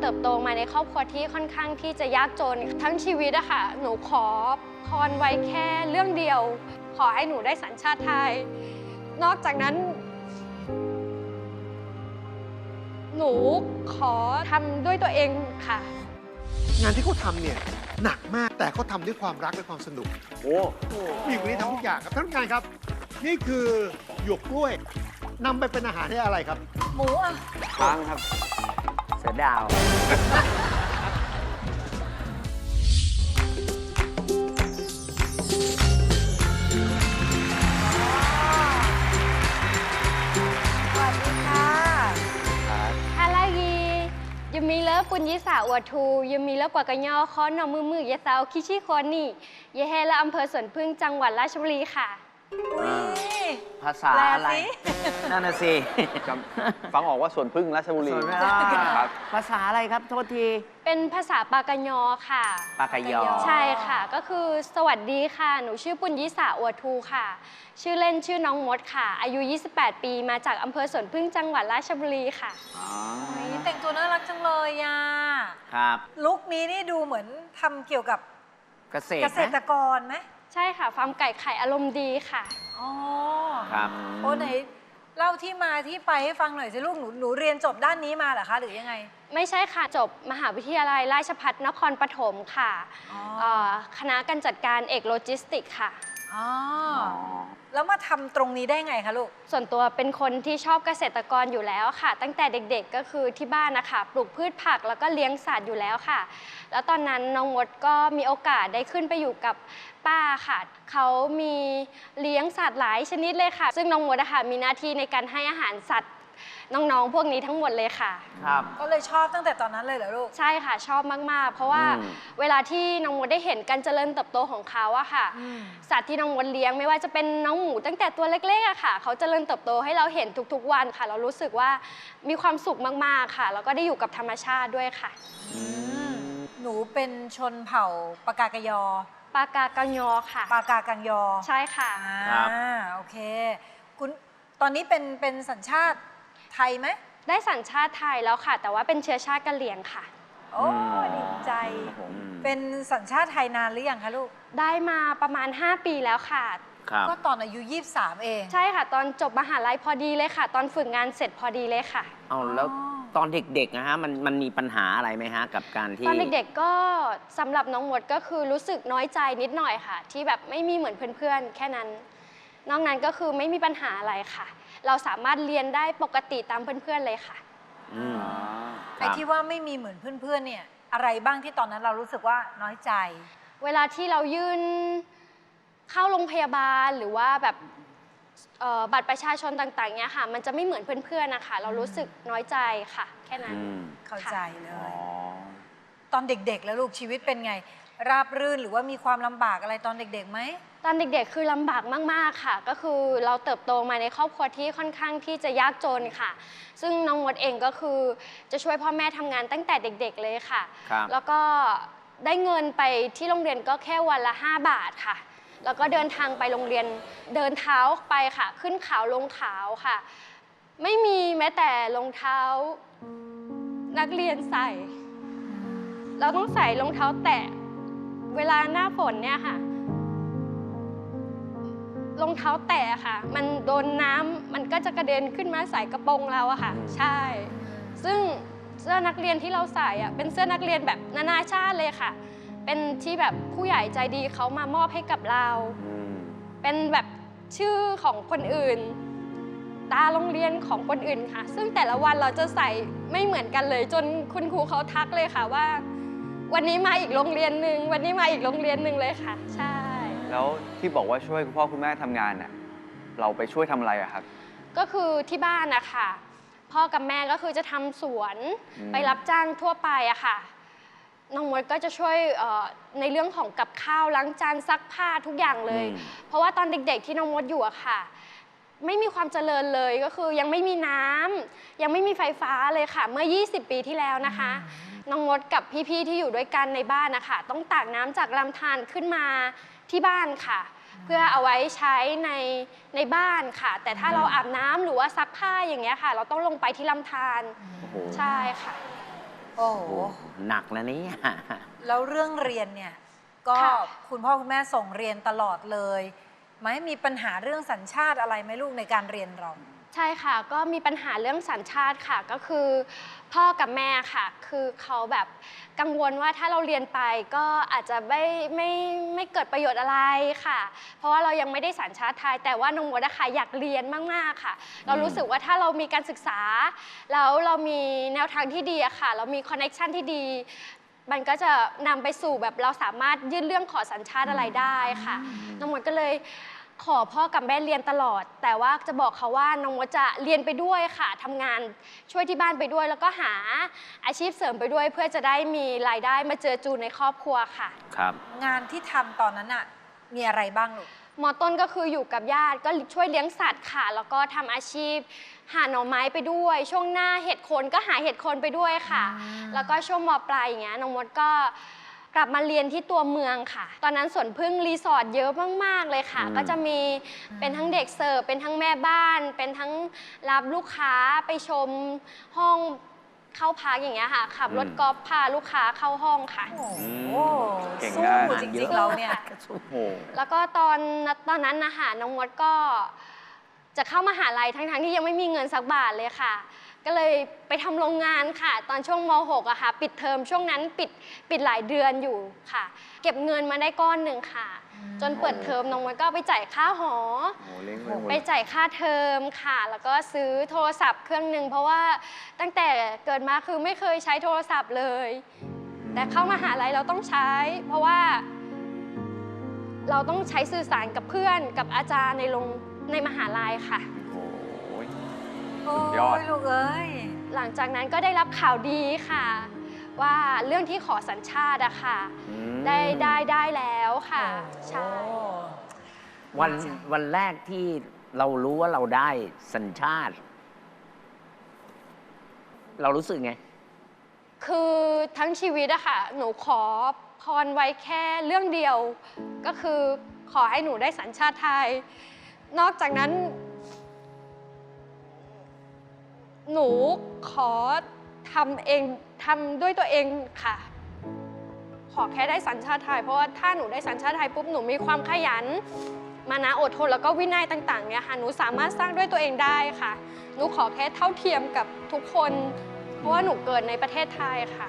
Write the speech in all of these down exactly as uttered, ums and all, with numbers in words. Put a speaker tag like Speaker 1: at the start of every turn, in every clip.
Speaker 1: เติบโตมาในครอบครัวที่ค่อนข้างที่จะยากจนทั้งชีวิตอะค่ะหนูขอพรไว้แค่เรื่องเดียวขอให้หนูได้สัญชาติไทยนอกจากนั้นหนูขอทำด้วยตัวเองค่ะ
Speaker 2: งานที่เขาทำเนี่ยหนักมากแต่เขาทำด้วยความรักและความสนุกโอ้ผู้หญิงคนนี้ทำทุกอย่างครับท่านผู้การครับนี่คือหยวกกล้วยนำไปเป็นอาหารให้อะไรครับ
Speaker 3: หมูอ่ะ
Speaker 4: ช้างครับเสือดาว
Speaker 1: ยมีเลิฟปุญญิสาอวดทูยมีเลิฟกว่ากระยอค้อนนอมือมือยะสาวคิชิโคนี่ยะแฮและอำเภอสวนพึ่งจังหวัดราชบุรีค่ะ
Speaker 4: ภาษาอะไรนั่นน่ะสิ
Speaker 5: ฟังออกว่าสวนพึ่งราชบุรี
Speaker 4: ครับภาษาอะไรครับโทษที
Speaker 1: เป็นภาษาปากะยอค่ะ
Speaker 4: ปากะยอ
Speaker 1: ใช่ค่ะก็คือสวัสดีค่ะหนูชื่อปุญญิสาอวดทูค่ะชื่อเล่นชื่อน้องมดค่ะอายุยี่สิบแปดปีมาจากอำเภอสวนพึ่งจังหวัดราชบุรีค่ะ
Speaker 3: แต่งตัวน่ารักจังเลยอ่ะ
Speaker 4: ครับ
Speaker 3: ลุคนี้นี่ดูเหมือนทำเกี่ยวกับ
Speaker 4: เกษตร
Speaker 3: เกษตรกรไหม
Speaker 1: ใช่ค่ะฟาร์มไก่ไข่อารมณ์ดีค่ะ
Speaker 3: อ๋อ
Speaker 4: ครับ
Speaker 3: โอ้ไหนเล่าที่มาที่ไปให้ฟังหน่อยสิลูกหนูหนูเรียนจบด้านนี้มาเหรอคะหรือยังไง
Speaker 1: ไม่ใช่ค่ะจบมหาวิทยาลัยราชภัฏนครปฐมค่ะคณะการจัดการเอกโลจิสติกค่ะ
Speaker 3: อ๋อแล้วมาทำตรงนี้ได้ไงคะลูก
Speaker 1: ส่วนตัวเป็นคนที่ชอบเกษตรกรอยู่แล้วค่ะตั้งแต่เด็กๆก็คือที่บ้านนะคะปลูกพืชผักแล้วก็เลี้ยงสัตว์อยู่แล้วค่ะแล้วตอนนั้นน้องมดก็มีโอกาสได้ขึ้นไปอยู่กับป้าค่ะเขามีเลี้ยงสัตว์หลายชนิดเลยค่ะซึ่งน้องมดนะคะมีหน้าที่ในการให้อาหารสัตว์น้องๆพวกนี้ทั้งหมดเลยค่ะ
Speaker 4: ครับ
Speaker 3: ก็เลยชอบตั้งแต่ตอนนั้นเลยเหรอลูก
Speaker 1: ใช่ค่ะชอบมากๆเพราะว่าเวลาที่น้องมดได้เห็นการเจริญเติบโตของเขาอะค่ะสัตว์ที่น้องมดเลี้ยงไม่ว่าจะเป็นน้องหมูตั้งแต่ตัวเล็กๆอะค่ะเขาเจริญเติบโตให้เราเห็นทุกๆวันค่ะเรารู้สึกว่ามีความสุขมากๆค่ะแล้วก็ได้อยู่กับธรรมชาติด้วยค่ะ
Speaker 3: หนูเป็นชนเผ่าปากากยอ
Speaker 1: ปากากังยอค่ะ
Speaker 3: ปากากังยอ
Speaker 1: ใช่ค่ะ
Speaker 3: อ่าโอเคคุณตอนนี้เป็นเป็นสัญชาติไทยไหม
Speaker 1: ได้สัญชาติไทยแล้วค่ะแต่ว่าเป็นเชื้อชาติกะเหรี่ยงค่ะ
Speaker 3: โอ้ดีใจเป็นสัญชาติไทยนานหรือยังคะลูก
Speaker 1: ได้มาประมาณห้าปีแล้วค่ะ
Speaker 3: ก็ตอนอายุยี่สิบสามเอง
Speaker 1: ใช่ค่ะตอนจบมหาลัยพอดีเลยค่ะตอนฝึกงานเสร็จพอดีเลยค่ะ
Speaker 4: เอาแล้วตอนเด็กๆนะฮะมันมันมีปัญหาอะไรไหมฮะกับการที่
Speaker 1: ตอนเด็กๆก็สำหรับน้องมดก็คือรู้สึกน้อยใจนิดหน่อยค่ะที่แบบไม่มีเหมือนเพื่อนๆแค่นั้นนอกนั้นก็คือไม่มีปัญหาอะไรค่ะเราสามารถเรียนได้ปกติตามเพื่อนๆเลยค่ะ
Speaker 3: ไอ้ที่ว่าไม่มีเหมือนเพื่อนๆเนี่ยอะไรบ้างที่ตอนนั้นเรารู้สึกว่าน้อยใจ
Speaker 1: เวลาที่เรายื่นเข้าโรงพยาบาลหรือว่าแบบบัตรประชาชนต่างๆเนี่ยค่ะมันจะไม่เหมือนเพื่อนๆนะคะเรารู้สึกน้อยใจค่ะแค่นั้น
Speaker 3: เข้าใจเลยตอนเด็กๆแล้วลูกชีวิตเป็นไงราบรื่นหรือว่ามีความลำบากอะไรตอนเด็กๆไหม
Speaker 1: ตอนเด็กๆคือลำบากมากๆค่ะก็คือเราเติบโตมาในครอบครัวที่ค่อนข้างที่จะยากจนค่ะซึ่งน้องมดเองก็คือจะช่วยพ่อแม่ทำงานตั้งแต่เด็กๆเลยค่ะแล้วก็ได้เงินไปที่โรงเรียนก็แค่วันละห้าบาทค่ะแล้วก็เดินทางไปโรงเรียนเดินเท้าไปค่ะขึ้นเขาลงเขาค่ะไม่มีแม้แต่รองเท้านักเรียนใส่เราต้องใส่รองเท้าแตะเวลาหน้าฝนเนี่ยค่ะรองเท้าแตะค่ะมันโดนน้ำมันก็จะกระเด็นขึ้นมาใส่กระโปรงเราอะค่ะใช่ซึ่งเสื้อนักเรียนที่เราใส่อะเป็นเสื้อนักเรียนแบบนานาชาติเลยค่ะเป็นที่แบบผู้ใหญ่ใจดีเขามามอบให้กับเราเป็นแบบชื่อของคนอื่นตาโรงเรียนของคนอื่นค่ะซึ่งแต่ละวันเราจะใส่ไม่เหมือนกันเลยจนคุณครูเขาทักเลยค่ะว่าวันนี้มาอีกโรงเรียนหนึ่งวันนี้มาอีกโรงเรียนหนึ่งเลยค่ะใช่
Speaker 5: แล้วที่บอกว่าช่วยคุณพ่อคุณแม่ทำงานน่ะเราไปช่วยทำอะไรอะครับ
Speaker 1: ก็คือที่บ้านนะคะพ่อกับแม่ก็คือจะทำสวนไปรับจ้างทั่วไปอะค่ะน้องมดก็จะช่วยในเรื่องของกับข้าวล้างจานซักผ้าทุกอย่างเลยเพราะว่าตอนเด็กๆที่น้องมดอยู่อะค่ะไม่มีความเจริญเลยก็คือยังไม่มีน้ำยังไม่มีไฟฟ้าเลยค่ะเมื่อยี่สิบปีที่แล้วนะคะน้องมดกับพี่ๆที่อยู่ด้วยกันในบ้านนะคะต้องตักน้ำจากลำธารขึ้นมาที่บ้านค่ะเพื่อเอาไว้ใช้ในในบ้านค่ะแต่ถ้าเราอาบน้ำหรือว่าซักผ้าอย่างเงี้ยค่ะเราต้องลงไปที่ลำธารใช่ค่ะ
Speaker 3: โอ้โห
Speaker 4: โอ้หนักนะเนี่ย
Speaker 3: แล้วเรื่องเรียนเนี่ย ก็
Speaker 1: ค่ะ
Speaker 3: คุณพ่อคุณแม่ส่งเรียนตลอดเลยไหมมีปัญหาเรื่องสัญชาติอะไรไหมลูกในการเรียนเรา
Speaker 1: ใช่ค่ะ ก็มีปัญหาเรื่องสัญชาติค่ะ ก็คือพ่อกับแม่ค่ะ คือเขาแบบกังวลว่าถ้าเราเรียนไปก็อาจจะไม่ไม่ไม่เกิดประโยชน์อะไรค่ะ เพราะว่าเรายังไม่ได้สัญชาติไทย แต่ว่าน้องมดอะค่ะอยากเรียนมากๆค่ะ เรารู้สึกว่าถ้าเรามีการศึกษา แล้วเรามีแนวทางที่ดีอะค่ะ เรามีคอนเน็กชันที่ดี มันก็จะนำไปสู่แบบเราสามารถยื่นเรื่องขอสัญชาติอะไรได้ค่ะ น้องมดก็เลยขอพ่อกับแม่เรียนตลอด แต่ว่าจะบอกเขาว่าน้องมดจะเรียนไปด้วยค่ะทำงานช่วยที่บ้านไปด้วย แล้วก็หาอาชีพเสริมไปด้วย เพื่อจะได้มีรายได้มาเจอจูนในครอบครัวค่ะ
Speaker 4: ครับ
Speaker 3: งานที่ทำตอนนั้นอะมีอะไรบ้างลูก
Speaker 1: มอต้นก็คืออยู่กับญาติก็ช่วยเลี้ยงสัตว์ค่ะ แล้วก็ทำอาชีพหาหน่อไม้ไปด้วย ช่วงหน้าเห็ดโคนก็หาเห็ดโคนไปด้วยค่ะ
Speaker 3: อืม
Speaker 1: แล้วก็ช่วงมปลายอย่างเงี้ยน้องมดก็กลับมาเรียนที่ตัวเมืองค่ะ ตอนนั้นสวนพึ่งรีสอร์ทเยอะมากๆเลยค่ะ
Speaker 4: อืม
Speaker 1: ก็จะมีเป็นทั้งเด็กเสิร์ฟเป็นทั้งแม่บ้าน เป็นทั้งรับลูกค้าไปชมห้องเข้าพักอย่างเงี้ยค่ะขับรถกอล์ฟพาลูกค้าเข้าห้องค่ะ
Speaker 3: โอ้โห
Speaker 5: เก่ง
Speaker 3: สู้
Speaker 5: นะ
Speaker 3: จริงๆเราเนี่ย
Speaker 5: โอ้โห
Speaker 1: แล้วก็ตอนตอนนั้นนะคะน้องมดก็จะเข้ามหาลัยทั้งๆที่ยังไม่มีเงินสักบาทเลยค่ะ ก็เลยไปทำโรงงานค่ะ ตอนช่วงม หกอะค่ะ ปิดเทอมช่วงนั้นปิดปิดหลายเดือนอยู่ค่ะ เก็บเงินมาได้ก้อนหนึ่งค่ะ จนเปิดเทอมน้องมดก็ไปจ่ายค่าหอ
Speaker 5: โอ้โหเลี้ยงไปหมด
Speaker 1: ไปจ่ายค่าเทอมค่ะ แล้วก็ซื้อโทรศัพท์เครื่องหนึ่งเพราะว่าตั้งแต่เกิดมาคือไม่เคยใช้โทรศัพท์เลย แต่เข้ามหาลัยเราต้องใช้ เพราะว่าเราต้องใช้สื่อสารกับเพื่อนกับอาจารย์ในโรงในมหาลัยค่ะ
Speaker 5: โอ้โห
Speaker 3: โอ้
Speaker 5: ยอด
Speaker 3: ยลูกเอ้ย
Speaker 1: หลังจากนั้นก็ได้รับข่าวดีค่ะ ว่าเรื่องที่ขอสัญชาติอะค่ะ
Speaker 4: อืม
Speaker 1: ได้ได้ได้แล้วค่ะ ใช่
Speaker 3: โอ้
Speaker 4: วัน
Speaker 3: ดีใจ
Speaker 4: วันแรกที่เรารู้ว่าเราได้สัญชาติ เรารู้สึกไง
Speaker 1: คือทั้งชีวิตอะค่ะ หนูขอพรไว้แค่เรื่องเดียว ก็คือขอให้หนูได้สัญชาติไทย นอกจากนั้น หนูขอทำเองทำด้วยตัวเองค่ะ ขอแค่ได้สัญชาติไทย เพราะว่าถ้าหนูได้สัญชาติไทยปุ๊บหนูมีความขยัน มานะอดทนแล้วก็วินัยต่างๆเนี่ยค่ะหนูสามารถสร้างด้วยตัวเองได้ค่ะ หนูขอแค่เท่าเทียมกับทุกคน เพราะว่าหนูเกิดในประเทศไทยค่ะ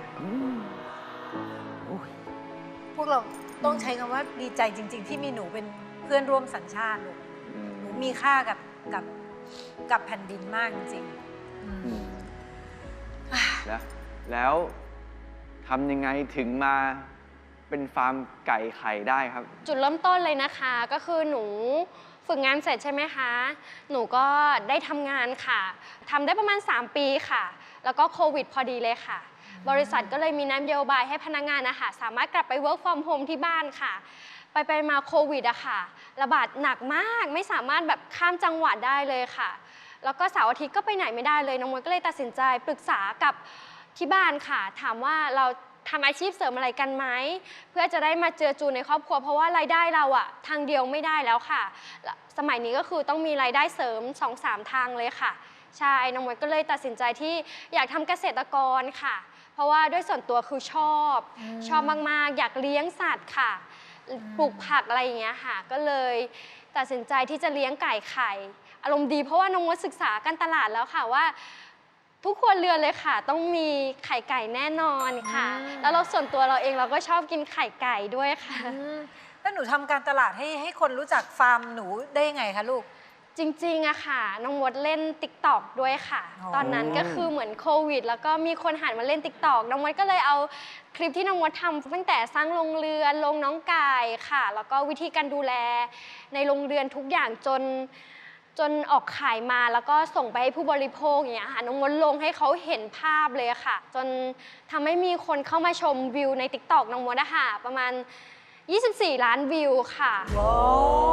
Speaker 3: พวกเราต้องใช้คำว่าดีใจจริง ๆ ที่มีหนูเป็นเพื่อนร่วมสัญชาติลูก
Speaker 5: อืม
Speaker 3: หนูมีค่ากับกับกับแผ่นดินมากจริงๆอืม
Speaker 5: อืมแล้วแล้วทำยังไงถึงมาเป็นฟาร์มไก่ไข่ได้ครับ
Speaker 1: จุดเริ่มต้นเลยนะคะก็คือหนูฝึกงานเสร็จใช่ไหมคะ หนูก็ได้ทำงานค่ะทำได้ประมาณ สาม ปีค่ะ แล้วก็โควิดพอดีเลยค่ะ บริษัทก็เลยมีนโยบายให้พนักงานนะคะสามารถกลับไป work from home ที่บ้านค่ะ ไปไปมาโควิดอะค่ะระบาดหนักมากไม่สามารถแบบข้ามจังหวัดได้เลยค่ะ แล้วก็เสาร์อาทิตย์ก็ไปไหนไม่ได้เลยน้องมดก็เลยตัดสินใจปรึกษากับที่บ้านค่ะ ถามว่าเราทำอาชีพเสริมอะไรกันไหมเพื่อจะได้มาเจอจูนในครอบครัว เพราะว่ารายได้เราอะทางเดียวไม่ได้แล้วค่ะ สมัยนี้ก็คือต้องมีรายได้เสริม สองสาม ทางเลยค่ะใช่น้องมดก็เลยตัดสินใจที่อยากทำเกษตรกรค่ะ เพราะว่าด้วยส่วนตัวคือชอบ
Speaker 3: อืม
Speaker 1: ชอบมากๆ อยากเลี้ยงสัตว์ค่ะ ปลูกผักอะไรอย่างเงี้ยค่ะ ก็เลยตัดสินใจที่จะเลี้ยงไก่ไข่ อารมณ์ดีเพราะว่าน้องมดศึกษาการตลาดแล้วค่ะว่า ทุกครัวเรือนเลยค่ะ ต้องมีไข่ไก่แน่นอนค่ะ
Speaker 3: อืม
Speaker 1: แล้วเราส่วนตัวเราเองเราก็ชอบกินไข่ไก่ด้วยค่ะ
Speaker 3: อืมแล้วหนูทำการตลาดให้ให้คนรู้จักฟาร์มหนูได้ยังไงคะลูก
Speaker 1: จริงๆอะค่ะ น้องมดเล่น ติ๊กต็อก ด้วยค่ะ
Speaker 3: อ๋อ
Speaker 1: ตอนนั้นก็คือเหมือนโควิด แล้วก็มีคนหันมาเล่น ติ๊กต็อก น้องมดก็เลยเอาคลิปที่น้องมดทำตั้งแต่สร้างโรงเรือนลงน้องไก่ค่ะ แล้วก็วิธีการดูแลในโรงเรือนทุกอย่างจนจนออกขายมาแล้วก็ส่งไปให้ผู้บริโภคอย่างเงี้ยค่ะน้องมดลงให้เขาเห็นภาพเลยค่ะ จนทำให้มีคนเข้ามาชมวิวใน ติ๊กต็อก น้องมดอะค่ะประมาณ ยี่สิบสี่ ล้านวิวค่ะ
Speaker 3: ว้าว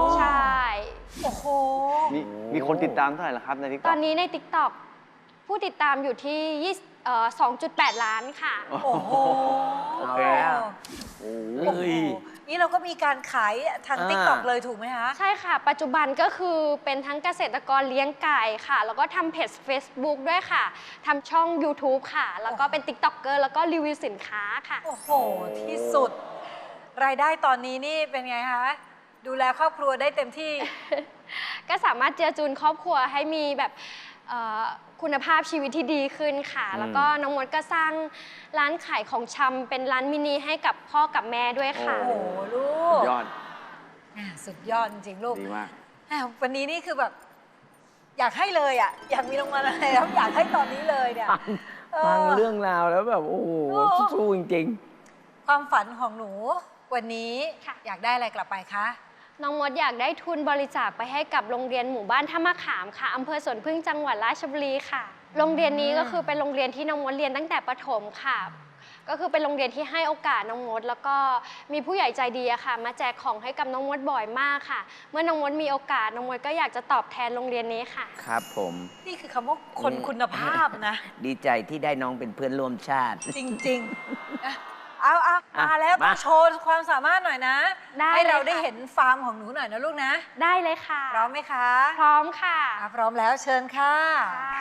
Speaker 1: ใช่
Speaker 3: โอ้โห
Speaker 5: มีมีคนติดตามเท่าไหร่ละครับในทิกต
Speaker 1: ต
Speaker 5: อ
Speaker 1: อก นนี้ใน ติ๊กต็อก ผู้ติดตามอยู่ที่ยี่สิบเอ่อ สองจุดแปด ล้านค่ะ
Speaker 3: โอ้โห
Speaker 5: โอเค
Speaker 3: โอ้
Speaker 5: โอ้
Speaker 3: โห
Speaker 5: โห
Speaker 4: เฮ้ย
Speaker 3: นี่เราก็มีการขายทาง
Speaker 4: อ่า
Speaker 3: ติ๊กต็อกเลยถูกไหมคะ
Speaker 1: ใช่ค่ะ ปัจจุบันก็คือเป็นทั้งเกษตรกรเลี้ยงไก่ค่ะ แล้วก็ทำเพจ Facebook ด้วยค่ะทำช่อง ยูทูบ ค่ะ แล้วก็เป็น ติ๊กต็อกเกอร์ แล้วก็รีวิวสินค้าค่ะ
Speaker 3: โอ้โห ที่สุด รายได้ตอนนี้นี่เป็นไงคะ ดูแลครอบครัวได้เต็มที่
Speaker 1: ก็สามารถเจือจูนครอบครัวให้มีแบบเอ่อคุณภาพชีวิตที่ดีขึ้นค่ะ
Speaker 4: อืม
Speaker 1: แล้วก็น้องมดก็สร้างร้านขายของชำเป็นร้านมินิให้กับพ่อกับแม่ด้วยค่ะ
Speaker 3: โอ้โห ลูก
Speaker 5: ยอด
Speaker 3: อ่ะสุดยอดจริงๆลูก
Speaker 5: ดีมาก
Speaker 3: อ่ะวันนี้นี่คือแบบ อยากให้เลยอ่ะ อยากมีรางวัลอะไรแล้วอยากให้ตอนนี้เลยเนี่ย
Speaker 4: ฟัง
Speaker 3: เออ
Speaker 4: ฟังเรื่องราวแล้วแบบ โอ้โห
Speaker 3: โอ้
Speaker 4: สู้จริง
Speaker 3: ความฝันของหนู วันนี้
Speaker 1: ค่ะ
Speaker 3: อยากได้อะไรกลับไปคะ
Speaker 1: น้องมดอยากได้ทุนบริจาคไปให้กับโรงเรียนหมู่บ้านท่ามะขามค่ะอำเภอสวนพึ่งจังหวัดราชบุรีค่ะ โรงเรียนนี้ก็คือเป็นโรงเรียนที่น้องมดเรียนตั้งแต่ประถมค่ะ ก็คือเป็นโรงเรียนที่ให้โอกาสน้องมด แล้วก็มีผู้ใหญ่ใจดีอะค่ะ มาแจกของให้กับน้องมดบ่อยมากค่ะ เมื่อน้องมดมีโอกาสน้องมดก็อยากจะตอบแทนโรงเรียนนี้ค่ะ
Speaker 4: ๆ ครับผม
Speaker 3: นี่คือคำว่าคน
Speaker 4: อืม
Speaker 3: คุณภาพนะ
Speaker 4: ดีใจที่ได้น้องเป็นเพื่อนร่วมชาติ
Speaker 3: จริงๆอ่ะเอาเอา
Speaker 4: อ่ะ
Speaker 3: มาแล้วต้อ
Speaker 4: มา
Speaker 3: งโชว์ความสามารถหน่อยนะ
Speaker 1: ได้
Speaker 3: ให้เรา
Speaker 1: เลยค่ะ
Speaker 3: ได้เห็นฟาร์มของหนูหน่อยนะลูกนะ
Speaker 1: ได้เลยค่ะ
Speaker 3: พร้อมไหมคะ
Speaker 1: พร้อมค่ะ
Speaker 3: อ่ะพร้อมแล้วเชิญค่ะ
Speaker 1: ค่ะ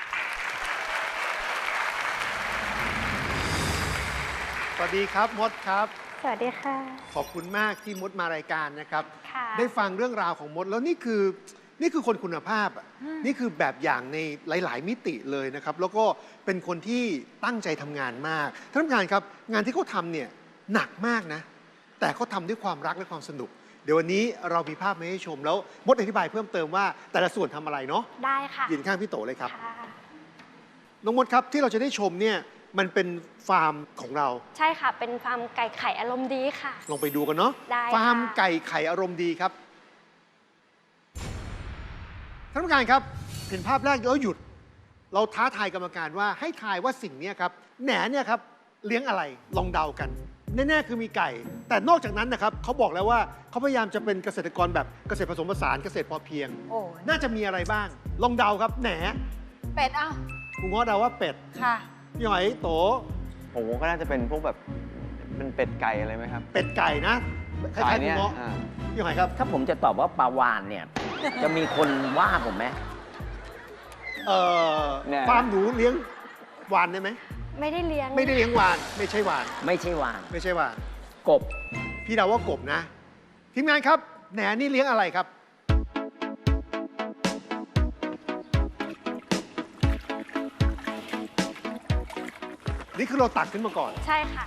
Speaker 2: สวัสดีครับมดครับ
Speaker 1: สวัสดีค่ะ
Speaker 2: ขอบคุณมากที่มดมารายการนะครับ
Speaker 1: ค่ะ
Speaker 2: ได้ฟังเรื่องราวของมดแล้วนี่คือนี่คือคนคุณภาพอะนี่คือแบบอย่างในหลาย ๆ มิติเลยนะครับ แล้วก็เป็นคนที่ตั้งใจทำงานมากท่านผู้การครับ งานที่เขาทำเนี่ยหนักมากนะ แต่เขาทำด้วยความรักและความสนุก เดี๋ยววันนี้เรามีภาพมาให้ชมแล้วมดอธิบายเพิ่มเติมว่าแต่ละส่วนทำอะไรเนาะ
Speaker 1: ได้ค่ะ
Speaker 2: ยืนข้างพี่โตเลยครับ
Speaker 1: ค่ะ
Speaker 2: น้องมดครับที่เราจะได้ชมเนี่ยมันเป็นฟาร์มของเรา
Speaker 1: ใช่ค่ะ เป็นฟาร์มไก่ไข่อารมณ์ดีค่ะ
Speaker 2: ลองไปดูกันเนาะ
Speaker 1: ได้ค่ะ
Speaker 2: ฟาร์มไก่ไข่อารมณ์ดีครับท่านผู้การครับเห็นภาพแรกแล้วหยุด เราท้าทายกรรมการว่าให้ทายว่าสิ่งนี้ครับแหนเนี่ยครับเลี้ยงอะไรลองเดากัน แน่ๆคือมีไก่ แต่นอกจากนั้นนะครับเขาบอกแล้วว่าเขาพยายามจะเป็นเกษตรกรแบบเกษตรผสมผสานเกษตรพอเพียง
Speaker 3: โอ้
Speaker 2: น่าจะมีอะไรบ้าง ลองเดาครับแหน
Speaker 3: เป็ดเอ้า
Speaker 2: คุณง้อเดาว่าเป็ด
Speaker 3: ค่ะ
Speaker 2: พี่หอยโต
Speaker 5: ผมก็น่าจะเป็นพวกแบบเป็นเป็ดไก่อะไรไหมครับ
Speaker 2: เป็ดไก่นะคล้ายๆคุณ
Speaker 5: เนี้ย
Speaker 2: ง้อ
Speaker 5: อ่า
Speaker 2: พี่หอยครับ
Speaker 4: ถ้าผมจะตอบว่าปลาวานเนี่ย จะมีคนว่าผมไหม
Speaker 2: เอ่อฟาร์มหนูเลี้ยงวานได้ไหม
Speaker 1: ไม่ได้เลี้ยง
Speaker 2: ไม่ได้เลี้ยงวาน ไม่ใช่วาน
Speaker 4: ไม่ใช่วาน
Speaker 2: ไม่ใช่วาน
Speaker 4: กบ
Speaker 2: พี่เดาว่ากบนะ ทีมงานครับแหนนี่เลี้ยงอะไรครับ นี่คือเราตักขึ้นมาก่อน
Speaker 1: ใช่ค่ะ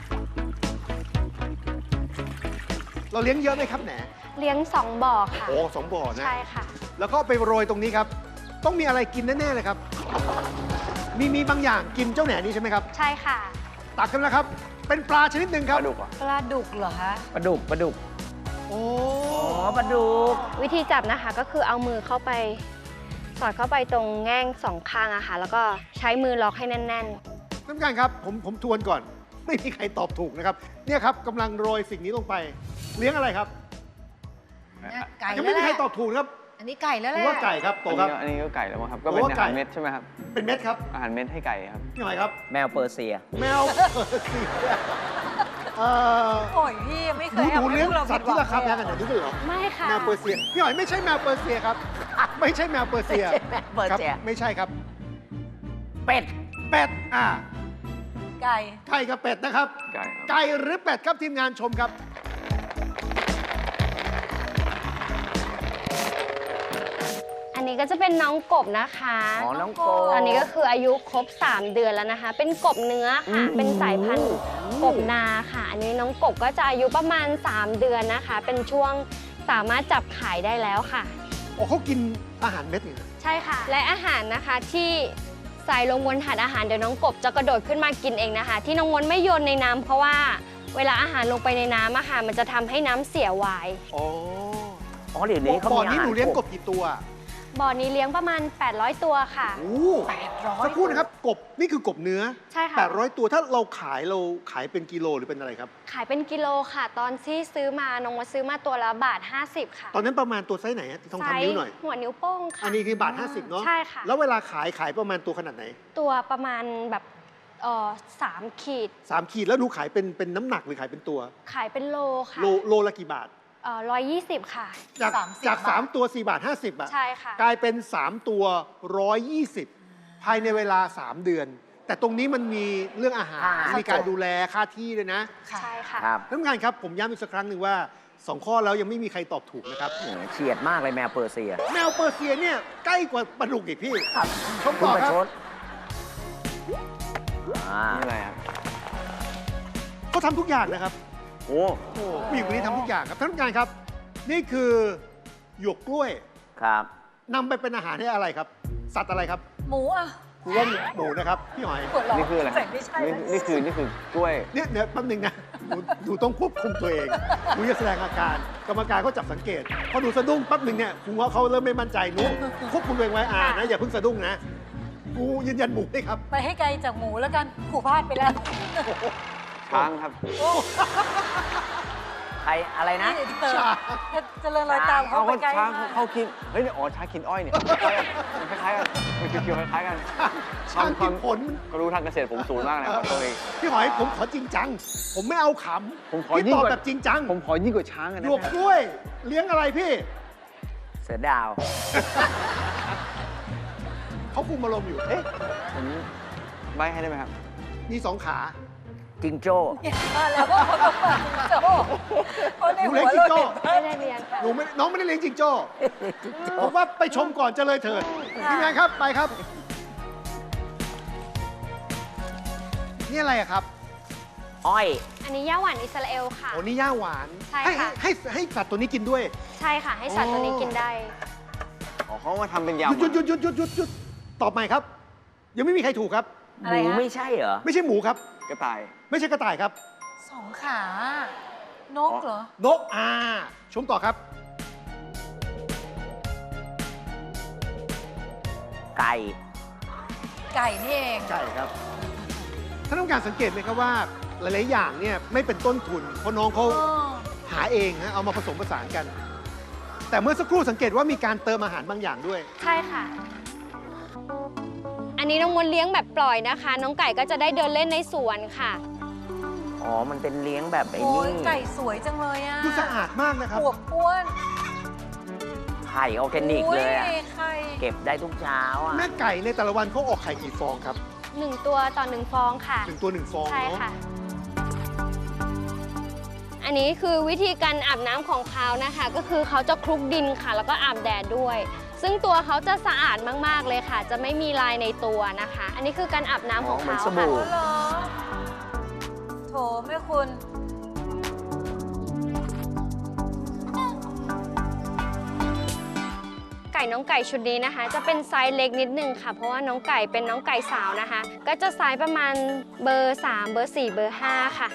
Speaker 2: เราเลี้ยงเยอะไหมครับแหน
Speaker 1: เลี้ยงสองบ่อค่ะ
Speaker 2: โอ้สองบ่อนะ
Speaker 1: ใช่ค่ะ
Speaker 2: แล้วก็ไปโรยตรงนี้ครับ ต้องมีอะไรกินแน่ๆเลยครับ มีมีบางอย่างกินเจ้าแหนนี้ใช่ไหมครับ
Speaker 1: ใช่ค่ะ
Speaker 2: ตักกันแล้วครับ เป็นปลาชนิดหนึ่งค
Speaker 5: ป
Speaker 2: รับ
Speaker 5: ลาดุกอ่ะ
Speaker 3: ปลาดุกเหรอคะ
Speaker 4: ปลาดุก ปลาดุก
Speaker 2: โอ้
Speaker 4: อ๋อ ปลาดุก
Speaker 1: วิธีจับนะคะก็คือเอามือเข้าไป สอดเข้าไปตรงแง่งสองข้างอะค่ะ แล้วก็ใช้มือล็อกให้แน่น
Speaker 2: ท่านผู้การครับผมผมทวนก่อน ไม่มีใครตอบถูกนะครับ เนี่ยครับกำลังโรยสิ่งนี้ลงไป เลี้ยงอะไรครับ
Speaker 3: เนี่ยไก่
Speaker 2: ยัง
Speaker 3: แล้
Speaker 2: ไม่
Speaker 3: ว
Speaker 2: มี
Speaker 3: แห
Speaker 2: ใคร
Speaker 3: ละ
Speaker 2: ตอบถูกนะครับ
Speaker 3: อันนี้ไก่แล้ว
Speaker 2: ผ
Speaker 3: แห
Speaker 2: ม
Speaker 3: ละ
Speaker 2: ว่าไก่ครับโต
Speaker 5: อัน
Speaker 2: ค
Speaker 5: นี้
Speaker 2: รับ
Speaker 5: ก็อันนี้ก็ไก่แล้วมั้งครับ ก็
Speaker 2: ผม
Speaker 5: เป็น
Speaker 2: ว่า
Speaker 5: อา
Speaker 2: ไก่
Speaker 5: หารเม็ดใช่ไหมครับ
Speaker 2: เป็นเม็ดครับ
Speaker 5: อาหารเม็ดให้ไก่ครับ
Speaker 2: พี่หอยครับ
Speaker 4: แมวเปอร์เซีย
Speaker 2: แมวเปอร์เซียเอ่อ
Speaker 3: โอ้ยพี่ยังไม่เค
Speaker 2: หนู
Speaker 3: ย
Speaker 2: หนูเลี้ยง
Speaker 3: ให้พวกา
Speaker 2: สัตว์ที่ราคาแพงข
Speaker 3: ผิดห
Speaker 2: นา
Speaker 3: วั
Speaker 2: ด
Speaker 3: ง
Speaker 2: นี้ด้วยเหรอ
Speaker 1: ๆ ไม่ค่ะ
Speaker 2: แมวเปอร์เซียพี่หอยไม่ใช่แมวเปอร์เซียครับ ไม่ใช่แมวเปอร์เซีย
Speaker 4: ไม่ใช่แมวเปอร์เซีย
Speaker 2: คบไม่ใช่ครับ
Speaker 4: เป็ด
Speaker 2: เป็ดอ่า
Speaker 3: ไก่
Speaker 2: ไก่กับเป็ดนะครับ
Speaker 5: ไก่ครับ
Speaker 2: ไก่หรือเป็ดครับทีมงานชมครับ
Speaker 1: อันนี้ก็จะเป็นน้องกบนะคะ
Speaker 4: อ๋อ น้องโก
Speaker 1: ตอนนี้ก็คืออายุครบ สาม เดือนแล้วนะคะ เป็นกบเนื้อค่ะ
Speaker 4: อืม
Speaker 1: เป็นสายพันธุ์กบนาค่ะ อันนี้น้องกบก็จะอายุประมาณ สาม เดือนนะคะ เป็นช่วงสามารถจับขายได้แล้วค่ะ
Speaker 2: โอ้เขากินอาหารเม็ดนี่นะ
Speaker 1: ใช่ค่ะ และอาหารนะคะที่ใส่ลงบนถาดอาหารเดี๋ยวน้องกบจะกระโดดขึ้นมากินเองนะคะ ที่น้องมนไม่โยนในน้ำเพราะว่าเวลาอาหารลงไปในน้ำอะค่ะมันจะทำให้น้ำเสียไวาย
Speaker 2: อ๋อ
Speaker 4: อ๋อ เดี๋ยวนี้เขา
Speaker 2: บ่อ
Speaker 4: มีอา
Speaker 2: นี้
Speaker 4: หาร
Speaker 2: หนูเลี้ยงกบกี่ตัว
Speaker 1: บ่อนี้เลี้ยงประมาณ แปดร้อย ตัวค่ะ
Speaker 2: โอ้
Speaker 3: แปดร้อย
Speaker 2: สักครู่นะครับ กบ นี่คือกบเนื้อ
Speaker 1: ใช่ค่ะ
Speaker 2: แปดร้อยตัวถ้าเราขายเราขายเป็นกิโลหรือเป็นอะไรครับ
Speaker 1: ขายเป็นกิโลค่ะ ตอนที่ซื้อมาน้องมดซื้อมาตัวละบาท ห้าสิบ ค่ะ
Speaker 2: ตอนนั้นประมาณตัวไซส์ไหนฮะต้องทำนิ้วหน่อย
Speaker 1: หัวนิ้วโป้งค่ะ
Speaker 2: อันนี้คือบาท ห้าสิบ เนาะ
Speaker 1: ใช่ค่ะ
Speaker 2: แล้วเวลาขายขายประมาณตัวขนาดไหน
Speaker 1: ตัวประมาณแบบเอ่อสามขีด
Speaker 2: สามขีดแล้วหนูขายเป็นเป็นน้ำหนักหรือขายเป็นตัว
Speaker 1: ขายเป็นโลค่ะ
Speaker 2: โลโลละกี่บาท
Speaker 1: เอ่อร้อยยี่สิบค่ะ
Speaker 2: จาก
Speaker 3: สามสิบ
Speaker 2: จาก
Speaker 3: บาท
Speaker 2: สามตัวสี่บาทห้าสิบอะ
Speaker 1: ใช่ค่ะ
Speaker 2: กลายเป็นสามตัวร้อยยี่สิบภายในเวลาสามเดือน แต่ตรงนี้มันมีเรื่องอาหาร
Speaker 4: ค่าอาหาร
Speaker 2: มีการดูแลค่าที่ด้วยนะ
Speaker 3: ค่ะ
Speaker 1: ใช่ค่ะ
Speaker 4: ครับ
Speaker 2: ท่านผู้การครับผมย้ำอีกสักครั้งหนึ่งว่าสองข้อแล้วยังไม่มีใครตอบถูกนะครับ
Speaker 4: โอ้โหเฉียดมากเลยแมวเปอร์เซีย
Speaker 2: แมวเปอร์เซียเนี่ยใกล้กว่าปลาดุกอีกพี่
Speaker 4: ครับ
Speaker 2: ชม
Speaker 4: คุ
Speaker 2: ต่
Speaker 4: ณ
Speaker 2: อ
Speaker 4: ประ
Speaker 2: ครับ
Speaker 4: ชดอ่า
Speaker 5: นี่อะไรครับ
Speaker 2: เขาทำทุกอย่างนะครับ
Speaker 5: โอ้
Speaker 2: โอ้ผู้หญิงคนนี้ทำทุกอย่างครับท่านผู้การครับ นี่คือหยวกกล้วย
Speaker 4: ครับ
Speaker 2: นำไปเป็นอาหารให้อะไรครับ สัตว์อะไรครับ
Speaker 3: หมูอ่ะ
Speaker 2: คือว่าหมูนะครับพี่หอย
Speaker 3: ปวดหลอ
Speaker 5: นี่คืออะไร
Speaker 3: แต่ไม่ใช่
Speaker 5: นี่
Speaker 3: นะ
Speaker 5: นี่คือนี่คือกล้วย
Speaker 2: เนี่ยเดี๋ยวแป๊บนึงนะหนูหนูต้องควบคุมตัวเองหนูจะแสดงอาการ กรรมการก็จับสังเกต พอหนูสะดุ้งแป๊บนึงเนี่ยครูว่าเขาเริ่มไม่มั่นใจหนูควบคุมตัวเองไว้อ่านะอย่าเพิ่งสะดุ้งนะครูยืนยันหมูได้ครับ
Speaker 3: ไปให้ไกลจากหมูแล้วกันผูพลาดไปแล้ว
Speaker 5: ช้างครับ
Speaker 4: ใครอะไรนะ
Speaker 3: นี่เติมเจริญรอยตามเขา
Speaker 5: เขา
Speaker 3: ไป
Speaker 5: ก็
Speaker 3: ไกล
Speaker 5: ช้าง
Speaker 3: มาก
Speaker 5: เขากิน เฮ้ยเนี่ยอ๋อช้างกินอ้อยเนี่ยคล้ายกันมันคล้ายๆกันมันเกี่ยวๆคล้ายๆกัน
Speaker 2: ช้างกินผล
Speaker 5: ก็รู้ทางเกษตรผมสูงมากนะขอตัวเอง
Speaker 2: พี่หอยผมขอจริงจัง ผมไม่เอาข
Speaker 5: ผมข
Speaker 2: ำ
Speaker 5: อ
Speaker 2: พี่
Speaker 5: ยิ่
Speaker 2: ต
Speaker 5: ง
Speaker 2: อบ
Speaker 5: กว่า
Speaker 2: แบบจริงจัง
Speaker 5: ผมขอยิ่งกว่าช้างอะ
Speaker 2: ห
Speaker 5: นะ
Speaker 2: ยวกกล้วย เลี้ยงอะไรพี่
Speaker 4: เสือดาว
Speaker 2: เขาคุมอารมณ์อยู่
Speaker 5: เอ๊ะผมใบให้ได้ไหมครับ
Speaker 2: มีสองขา
Speaker 4: จิงโจ้
Speaker 3: มาแล้วก็คนบอกว่าโจ้คนใน
Speaker 2: หนู
Speaker 3: หั
Speaker 2: เลี้ยง
Speaker 3: ว
Speaker 2: จิ
Speaker 3: เรา
Speaker 2: งโจ้
Speaker 3: เห็น
Speaker 1: ไม่ได้เรียนค่ะ
Speaker 2: หนูไม่น้องไม่ได้เลี้ยงจิงโจ้ผมว่าไปชมก่อนจะเลยเถิดทีมงานครับไปครับ นี่อะไรอะครับ
Speaker 4: อ้อย
Speaker 1: อันนี้ย่าหวานอิสราเอลค่ะ
Speaker 2: โอ้นี่ย่าหวาน
Speaker 1: ใช่
Speaker 2: ให้
Speaker 1: ค่ะ
Speaker 2: ให้ให้สัตว์ตัวนี้กินด้วย
Speaker 1: ใช่ค่ะ ให้สัตว์ตัวนี้กินได้
Speaker 5: อ๋อเขามาทำเป็น
Speaker 2: หยุด
Speaker 5: ยำ
Speaker 2: หยุดหยุดหยุดหยุดหยุดหยุดตอบใหม่ครับ ยังไม่มีใครถูกครับ
Speaker 4: หมูไม่ใช่เหรอ
Speaker 2: ไม่ใช่หมูครับ
Speaker 5: กระต่าย
Speaker 2: ไม่ใช่กระต่ายครับ
Speaker 3: สองขา นกเหรอ
Speaker 2: นกอาชมต่อครับ
Speaker 4: ไก่
Speaker 3: ไก่นี่เอง
Speaker 2: ใช่ครับท่านต้องการสังเกตไหมครับว่าหลาย ๆ อย่างเนี่ยไม่เป็นต้นทุน เพราะน้องเขา
Speaker 3: อ๋อ
Speaker 2: หาเองฮะเอามาผสมผสานกัน แต่เมื่อสักครู่สังเกตว่ามีการเติมอาหารบางอย่างด้วย
Speaker 1: ใช่ค่ะ อันนี้น้องมดเลี้ยงแบบปล่อยนะคะ น้องไก่ก็จะได้เดินเล่นในสวนค่ะ
Speaker 4: อ๋อ มันเป็นเลี้ยงแบบไอ้
Speaker 3: โอ้ย
Speaker 4: นี่
Speaker 3: ไก่สวยจังเลยอ่ะ
Speaker 2: ดูสะอาดมากนะครับ
Speaker 3: อวบอ้วน
Speaker 4: ไข่ออร์แกนิกเลยอะ
Speaker 3: โอ้ไข่
Speaker 4: เก็บได้ทุกเช้าอ่ะ
Speaker 2: แม่ไก่ในแต่ละวันเขาออกไข่กี่ฟองครับ
Speaker 1: หนึ่งตัวต่อหนึ่งฟองค่ะ
Speaker 2: หนึ่งตัวหนึ่งฟอง
Speaker 1: ใช่
Speaker 2: เนาะ
Speaker 1: ค่ะ อันนี้คือวิธีการอาบน้ำของเขานะคะ ก็คือเขาจะคลุกดินค่ะ แล้วก็อาบแดดด้วย ซึ่งตัวเขาจะสะอาดมากๆเลยค่ะ จะไม่มีลายในตัวนะคะ อันนี้คือการอาบน้ำของ
Speaker 4: อ๋อเหมือน
Speaker 1: เขา
Speaker 4: สบู่
Speaker 1: ค่ะ
Speaker 3: อ๋อเหรอ โถแม่คุณ
Speaker 1: ไก่น้องไก่ชุดนี้นะคะ จะเป็นไซส์เล็กนิดนึงค่ะ เพราะว่าน้องไก่เป็นน้องไก่สาวนะคะ ก็จะไซส์ประมาณเบอร์สามเบอร์สี่เบอร์ห้าค่ะ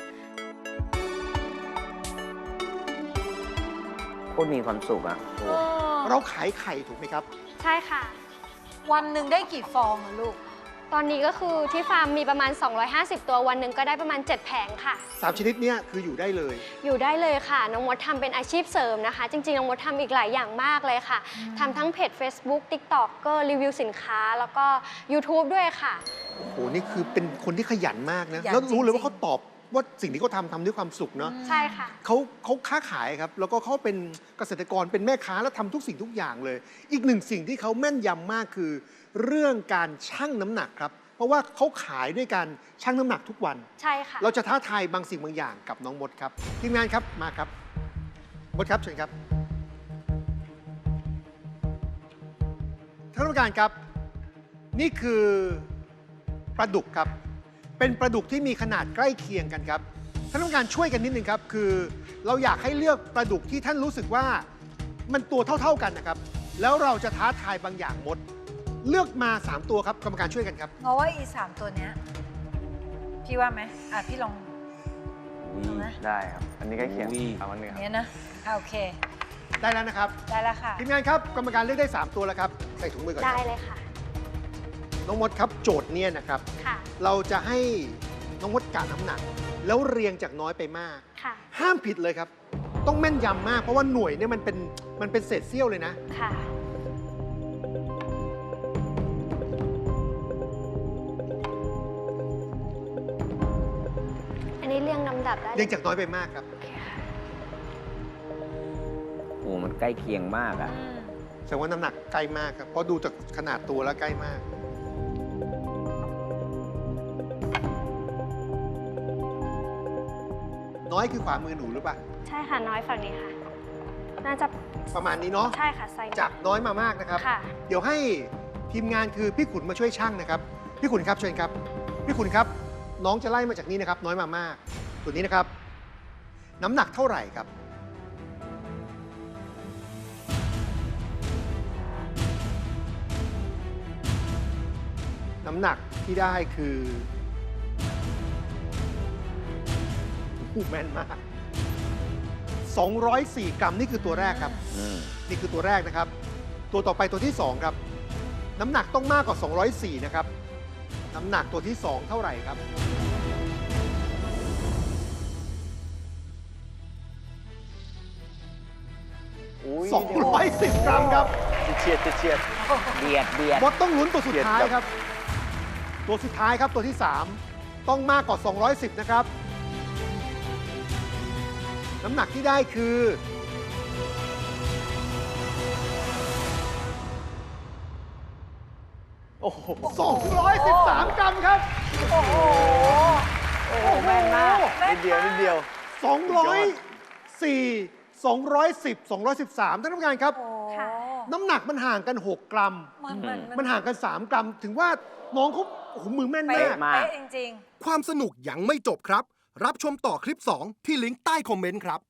Speaker 4: โคตรมีความสุขอ่ะโอ้
Speaker 2: เราขายไข่ถูกไหมครับ
Speaker 1: ใช่ค่ะ
Speaker 3: วันหนึ่งได้กี่ฟองอะลูก
Speaker 1: ตอนนี้ก็คือที่ฟาร์มมีประมาณ สองร้อยห้าสิบ ตัววันหนึ่งก็ได้ประมาณ เจ็ด แผงค่ะ
Speaker 2: สามชนิดเนี้ยคืออยู่ได้เลย
Speaker 1: อยู่ได้เลยค่ะ น้องมดทำเป็นอาชีพเสริมนะคะ จริงๆ น้องมดทำอีกหลายอย่างมากเลยค่ะทำทั้งเพจ Facebook TikTok ก็รีวิวสินค้า แล้วก็ YouTube ด้วยค่ะ
Speaker 2: โอ้โห นี่คือเป็นคนที่ขยันมากนะ
Speaker 3: ขยัน
Speaker 2: แล้วรู้เลย
Speaker 3: จริงๆ
Speaker 2: ว่าเขาตอบว่าสิ่งที่เขาทำทำด้วยความสุขเนาะ
Speaker 1: ใช่ค่ะ
Speaker 2: เขาเขาค้าขายครับ แล้วก็เขาเป็นเกษตรกร เป็นแม่ค้าแล้วทำทุกสิ่งทุกอย่างเลย อีกหนึ่งสิ่งที่เขาแม่นยำมากคือ เรื่องการชั่งน้ำหนักครับ เพราะว่าเขาขายด้วยการชั่งน้ำหนักทุกวัน
Speaker 1: ใช่ค่ะ
Speaker 2: เราจะท้าทายบางสิ่งบางอย่างกับน้องมดครับ ทีมงานครับ มาครับ มดครับเชิญครับท่านผู้การครับ นี่คือปลาดุกครับ เป็นปลาดุกที่มีขนาดใกล้เคียงกันครับท่านผู้การช่วยกันนิดนึงครับ คือเราอยากให้เลือกปลาดุกที่ท่านรู้สึกว่ามันตัวเท่า ๆกันนะครับ แล้วเราจะท้าทายบางอย่างมด เลือกมาสามตัวครับกรรมการช่วยกันครับ
Speaker 3: เพราะว่าอีสามตัวเนี้ย พี่ว่าไหมอ่ะ พี่ลอง เอาไหม
Speaker 5: ได้ครับ อันนี้ใกล้เคียง
Speaker 4: อุ้ย
Speaker 5: เอาอันหนึงครับ
Speaker 3: เนี้ยนะอ่ะโอเค
Speaker 2: ได้แล้วนะครับ
Speaker 3: ได้แล้วค่ะ
Speaker 2: ทีมงานครับกรรมการเลือกได้สามตัวแล้วครับใส่ถุงมือก่อนค
Speaker 1: ได้
Speaker 2: รับ
Speaker 1: เลยค่ะ
Speaker 2: น้องมดครับโจทย์เนี่ยนะครับ
Speaker 1: ค่ะ
Speaker 2: เราจะให้น้องมดกะน้ำหนัก แล้วเรียงจากน้อยไปมาก
Speaker 1: ค่ะ
Speaker 2: ห้ามผิดเลยครับ ต้องแม่นยำมาก เพราะว่าหน่วยเนี่ยมันเป็นมันเป็นเศษเสี้ยวเลยนะ
Speaker 1: ค่ะนนี้เรียงลำดับได้
Speaker 2: เรียงจากน้อยไปมากครับ
Speaker 1: โอเคค่ะ
Speaker 4: โอ้มันใกล้เคียงมากอะ
Speaker 3: อืม
Speaker 2: แสดงว่าน้ำหนักใกล้มากครับ เพราะดูจากขนาดตัวแล้วใกล้มาก น้อยคือขวามือหนูหรือเปล่า
Speaker 1: ใช่ค่ะน้อยฝั่งนี้ค่ะ น่าจะ
Speaker 2: ประมาณนี้เนาะ
Speaker 1: ใช่ค่ะไซส์
Speaker 2: จากน้อยมามากนะครับ
Speaker 1: ค่ะ
Speaker 2: เดี๋ยวให้ทีมงานคือพี่ขุนมาช่วยช่างนะครับ พี่ขุนครับเชิญครับ พี่ขุนครับ น้องจะไล่มาจากนี้นะครับ น้อยมามาก ตัวนี้นะครับ น้ำหนักเท่าไหร่ครับ น้ำหนักที่ได้คือโอ้โหแม่นมาก สองร้อยสี่ กรัมนี่คือตัวแรกครับ
Speaker 4: อืม
Speaker 2: นี่คือตัวแรกนะครับ ตัวต่อไปตัวที่ สอง ครับ น้ำหนักต้องมากกว่า สองร้อยสี่ นะครับ น้ำหนักตัวที่ สอง เท่าไหร่ครับ
Speaker 5: อุ้ย
Speaker 2: สองร้อยสิบ กรัมครับ
Speaker 5: เฉียดเฉียด
Speaker 4: เบียดเบียด
Speaker 2: มดต้องลุ้นตัวสุดท้าย
Speaker 5: เฉียด
Speaker 2: ครับ ตัวสุดท้ายครับตัวที่ สาม ต้องมากกว่า สองร้อยสิบ นะครับ น้ำหนักที่ได้คือ
Speaker 5: โอ้โห
Speaker 2: สองร้อยสิบสาม กรัมครับ
Speaker 3: โอ้โห
Speaker 5: โอ้โหแม่นมากนิดเดียวนิดเดียว
Speaker 2: สองร้อยสี่ สองร้อยสิบ สองร้อยสิบสาม ท่านผู้การครับ
Speaker 3: โอ้โห
Speaker 1: ค่ะ
Speaker 2: น้ำหนักมันห่างกัน หก กรัม
Speaker 3: มันมัน
Speaker 2: มันห่างกัน สาม กรัม ถึงว่าน้องเขาโอ้โหมือแม่น
Speaker 3: เป๊ะ
Speaker 2: มาก
Speaker 4: มาก
Speaker 3: เป๊ะจริง
Speaker 6: ความสนุกยังไม่จบครับ รับชมต่อคลิป สอง ที่ลิงก์ใต้คอมเมนต์ครับ